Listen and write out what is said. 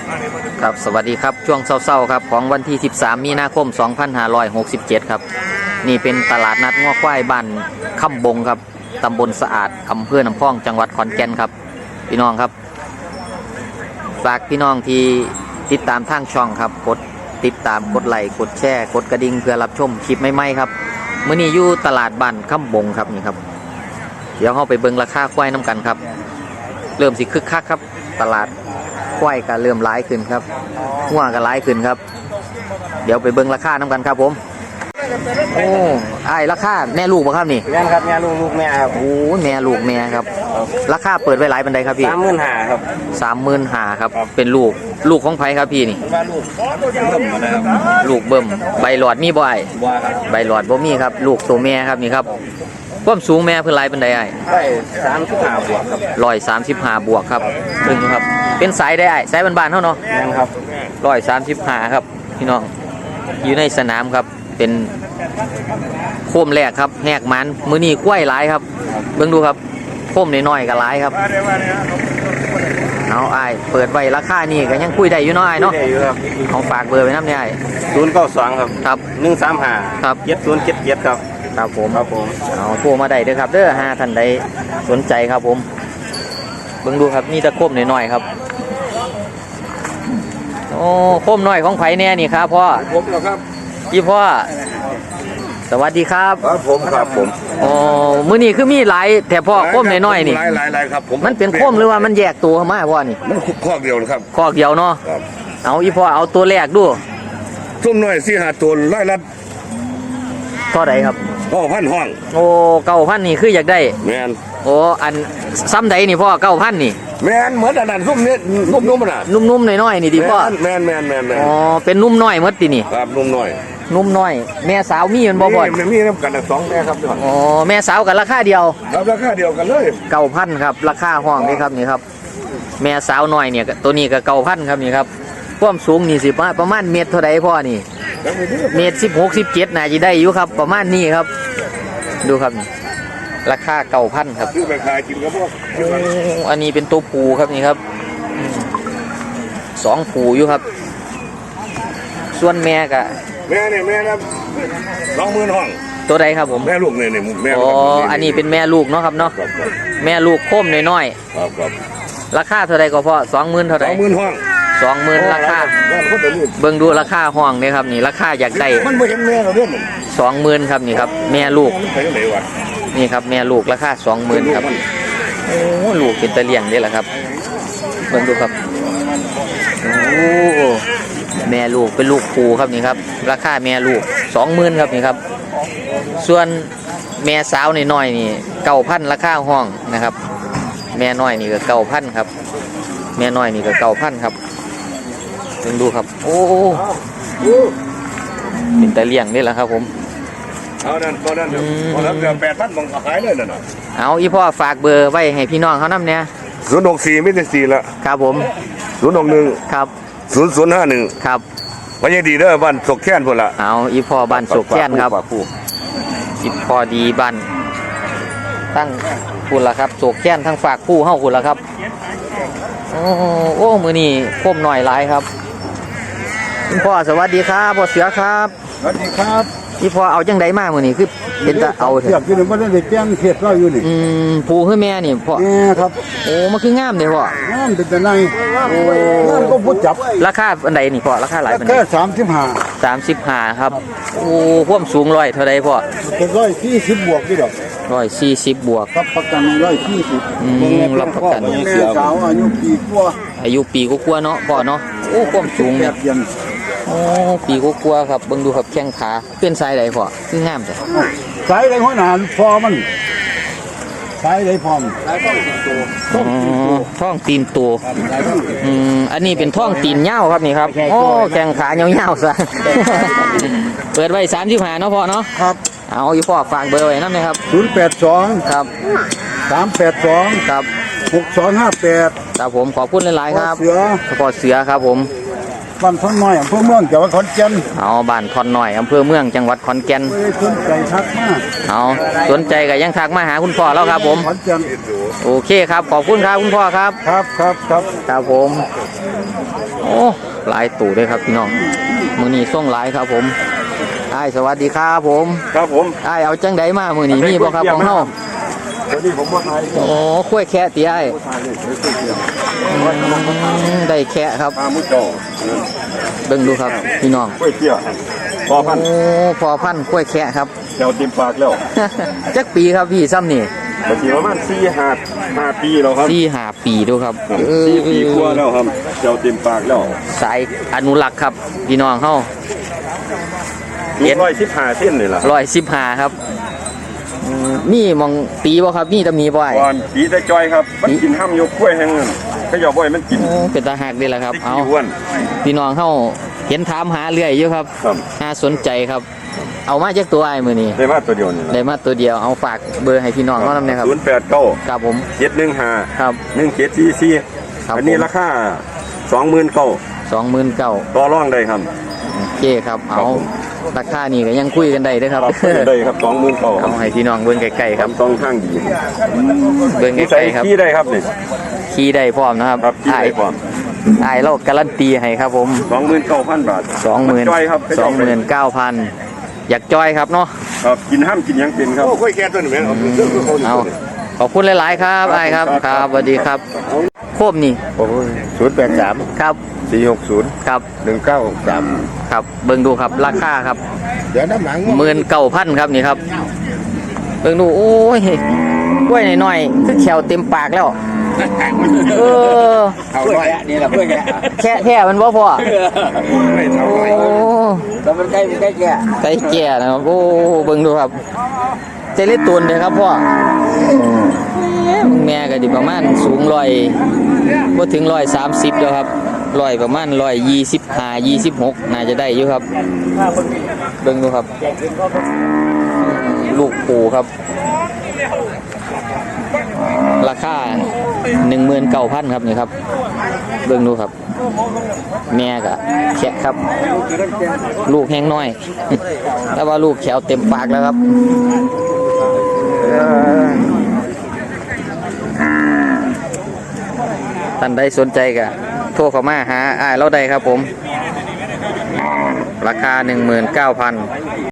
ครับสวัสดีครับช่วงเช้าๆครับของวันที่13มีนาคม2567ครับนี่เป็นตลาดนัดง้อควายบ้านค่ำบงครับตำบลสะอาดอำเภอน้ำพองจังหวัดขอนแก่นครับพี่น้องครับฝากพี่น้องที่ติดตามทางช่องครับกดติดตามกดไลค์กดแชร์กดกระดิ่งเพื่อรับชมคลิปใหม่ๆครับมื้อนี้อยู่ตลาดบ้านค่ำบงครับนี่ครับเดี๋ยวเราไปเบิ่งราคาควายน้ำกันครับเริ่มสิคึกคักครับตลาดควายก็เริ่มร้ายขึ้นครับหัวก็ร้ายขึ้นครับเดี๋ยวไปเบิ่งราคาน้ำกันครับผมโอ้ไอ้ราคาแม่ลูกป่ะครับนี่แม่ครับแม่ลูกแม่ครับโอ้แม่ลูกแม่ครับราคาเปิดไว้หลายปันใดครับพี่ 35,000ครับ 35,000ครับเป็นลูกของไผครับพี่นี่ว่าลูกเบิ่มนะครับลูกเบิ่มใบหลอดมีบ่ไอ้บ่ครับใบหลอดบ่มีครับลูกตัวแม่ครับนี่ครับความสูงแม่เพิ่นหลายปันใดไอ้ได้35บวกครับ 135บวกครับซึ่งครับเป็นสายได้ไอ้สายบ้านๆเฮาเนาะแม่ครับ 135ครับพี่น้องอยู่ในสนามครับเป็นโคมแรกครับแหกมันมื้อนี้กล้วยหลายครับเบิ่งดูครับโคมน้อยๆก็หลายครับเอาอ้ายเปิดไว้ราคานี่ก็ยังคุยได้อยู่เนาะอ้ายเนาะเอาฝากเบอร์ไว้นำเนี่ยอ้าย 092ครับครับ 135 ครับ 7077ครับครับผมผมเอาโทรมาได้เด้อครับเด้อหาท่านใดสนใจครับผมเบิ่งดูครับนี่ตะโคมน้อยๆครับโอ้โคมน้อยของไผแน่นี่ครับพ่อผมเหรอครับพี่พ่อสวัสดีครับครับผมอ๋อมื้อนี้คือมีหลายแต่พ่อโคมน้อยๆนี่หลายครับผมมันเป็นโคมหรือว่ามันแยกตัวมาพ่อนี่มันข้อเดียวครับข้อเดียวเนาะเอาอีพ่อเอาตัวแรกดูซุ่มน้อย4-5ตัวร้อยละเท่าใดครับ 9,000ห้องโอ้9,000นี่คืออยากได้แม่นโอ้อันซ้ำใดนี่พ่อ9,000นี่แม่นเหมือนอันนั้นซุ่มนี้นุ่มๆน่ะนุ่มๆน้อยๆนี่ดิพ่อแม่นอ๋อเป็นนุ่มน้อยหมดตินี่ครับนุ่มน้อยนุ่มน้อยแม่สาวมีมันบ่บ่มีน้ำกัน2แม่ครับอ๋อแม่สาวกันราคาเดียวครับราคาเดียวกันเลย 9,000ครับราคาห้องนี่ครับนี่ครับแม่สาวน้อยเนี่ยตัวนี้ก็9,000ครับนี่ครับความสูงนี่สิประมาณเมตรเท่าใดพ่อนี่เมตร16 17น่าจะได้อยู่ครับประมาณนี้ครับดูครับราคา9,000ครับซื้อไปขายกินกับพวกอันนี้เป็นตัวผูครับนี่ครับ2ผูอยู่ครับส่วนแม่กะแม่นะ20,000ห้องตัวใดครับผมแม่ลูกเนี่ยแม่อ๋ออันนี้เป็นแม่ลูกเนาะครับเนาะแม่ลูกโค้มน้อยๆครับราคาเท่าใดก็พอ20,000เท่าใด 20,000ห้อง 20,000ราคาเบิ่งดูราคาห้องนี่ครับนี่ราคาอยากได้มันบ่เห็นแม่เราเด้อ 20,000ครับนี่ครับแม่ลูกนี่ครับแม่ลูกราคา20,000ครับโอ้ลูกเป็นตะเลียงนี่แหละครับเบิ่งดูครับโอ้แม่ลูกเป็นลูกปูครับนี่ครับราคาแม่ลูก20,000ครับนี่ครับส่วนแม่สาวน้อยนี่9,000ราคาห้องนะครับแม่น้อยนี่ก็9,000ครับแม่น้อยนี่ก็9,000ครับเบิ่งดูครับโอ้เป็นตะเลียงนี่แหละครับผมเอานั่นตอนนั้นพอแล้วเดือน8,000บังขายเลยนั่นน่ะเอาอีพ่อฝากเบอร์ไว้ให้พี่น้องเขานำเนี่ย 064ไม่ได้4ละครับผม 061 ครับ 0051 ครับวันยังดีเด้อบ้านศกแค้นพุ่นละเอาอีพ่อบ้านศกแค้นครับอีพ่อดีบ้านตั้งพุ่นละครับศกแค้นทั้งฝากผู้เฮาพุ่นละครับโอ้มื้อนี้โคมหน่อยหลายครับพ่อสวัสดีครับพ่อเสือครับสวัสดีครับพี่พ่อเอาจังไดมามื้อนี้คือเป็นตาเอาเถอะอยู่นี่บ่ได้แจ้งเขตเราอยู่นี่ผู้คือแม่นี่พ่อแม่ครับโอ้มันคืองามเด้พ่องามเป็นแต่ไหนโอ้งามก็บ่จับราคาอันใดนี่พ่อราคาหลายปานใด35ครับโอ้ความสูง100เท่าใดพ่อ 140บวกนี่ดอก 140บวกรับประกัน140 รับประกันแม่สาวอายุปีกว่าเนาะพ่อเนาะโอ้ความสูงเนี่ยโอ้ปีกว่าครับเบิ่งดูครับแข้งขาเป็นสายใดพ่อคืองามจ้ะสายใดหัวหน้าพอมันสายใดพร้อมท้องตีนตัวอันนี้เป็นท้องตีนยาวครับนี่ครับโอ้แข้งขายาวๆซะเปิดไว้35เนาะพ่อเนาะครับเอาอยู่พ่อฝากเบอร์ไว้นำนะครับ 082 ครับ 382 ครับ 6258 ครับผมขอบคุณหลายๆครับเสือพ่อเสือครับผมบ้านท้นน้อยอำเภอเมืองจังหวัดขอนแก่นเอาบ้านทอนหน่อยอำเภอเมืองจังหวัดขอนแก่นสนใจทักมากเอาสนใจก็ยังทักมาหาคุณพ่อแล้วครับผมขอนแก่นโอเคครับขอบคุณครับคุณพ่อครับครับครับครับครับผมโอ้หลายตู่ด้วยครับพี่น้องมือนี้ส่งหลายครับผมไอ้ายสวัสดีครับผมครับผมไอ้ายเอาจังไดมามือนี้มีบ่ครับของเฮาวันนี้ผมมาถ่ายโอ้คุ้ยแค่ตีไอ้ายถ่ายเลยเดี๋ยวได้แค่ครับปลามุกจ่อเบิ่งดูครับพี่น้องกล้วยเตี้ยพอพันโอ้พอพันธุ์คุ้ยแค่ครับเดี๋ยวเต็มปากแล้วจักปีครับพี่ซ้ำนี่บางทีประมาณ4-5 ปีแล้วครับ 4-5 ปีดูครับ 4 ปีกว่าแล้วครับเดี๋ยวเต็มปากแล้วสายอนุรักษ์ครับพี่น้องเฮาลูก115เส้นนี่ล่ะ 115ครับมีมองตีบ่ครับมีตำหนิบ่ไอ้ก่อนปีแต่จอยครับมันกินห้ามยกกล้วยแห้งนั่นก็อย่าบ่อยมันกินโอ้เป็นตาหักเด้ล่ะครับติ๊กเอาอ้วนพี่น้องเฮาเห็นถามหาเรื่อยอยู่ครับครับน่าสนใจครับ เอามาจากตัวไอ้มื้อนี้ได้มาตัวเดียวนี่ล่ะได้มาตัวเดียวเอาฝากเบอร์ให้พี่น้องเฮานำเนี่ยครับ 089 ครับผม 715 ครับ 1744 ครับอันนี้ผมราคา29,000 29,000 ต่อรองได้ครับโอเคครับเอาราคานี่ก็ยังคุยกันได้เด้อครับได้ครับ29,000 เอาให้พี่น้องเบิ่งใกล้ๆครับต้องทางดีเบิ่งนิใกสัยล้ๆครับขี้ได้ครับนี่ขี่ได้พร้อมนะครับครับขี้ได้พร้อมอ้ายเราการันตีให้ครับผม 29,000 บาท 20,000 จ้อยครับ 29,000อยากจอยครับเนาะครับกินห้ามกินหยังเป็นครับโอ้ค่อยแก่ตัวนี้แม่เอาเอาขอบคุณหลายๆครับไอ้ายครับครับสวัสดีครับโคบนี่โอ้ย083 ครับ 460 ครับ 1963 ครับเบิ่งดูครับราคาครับเดี๋ยวน้ำหลัง 19,000ครับนี่ครับเบิ่งดูโอ้ยกล้วยหน่อยๆคือแขวเต็มปากแล้วเออเอาหน่อยนี่ล่ะเพื่อนแกแค่มันบ่พอไม่เท่าโอ้ไหร่แล้วมันใกล้แก่ไก่แก่นะครับโอ้เบิ่งดูครับเจเล็ดตูนเลยครับพ่อแม่ก็ดิประมาณสูงบ่ถึง130แล้วครับประมาณ125-26น่าจะได้อยู่ครับเบิ่งดูครับลูกปูครับราคา 19,000 ครับนี่ครับเบิ่งดูครับแม่ก็แคะครับลูกแห้งน้อย แต่ว่าลูกแขวเต็มปากแล้วครับท่านใดสนใจก็โทรเข้ามาหาอ้ายเราได้ครับผมราคา 19,000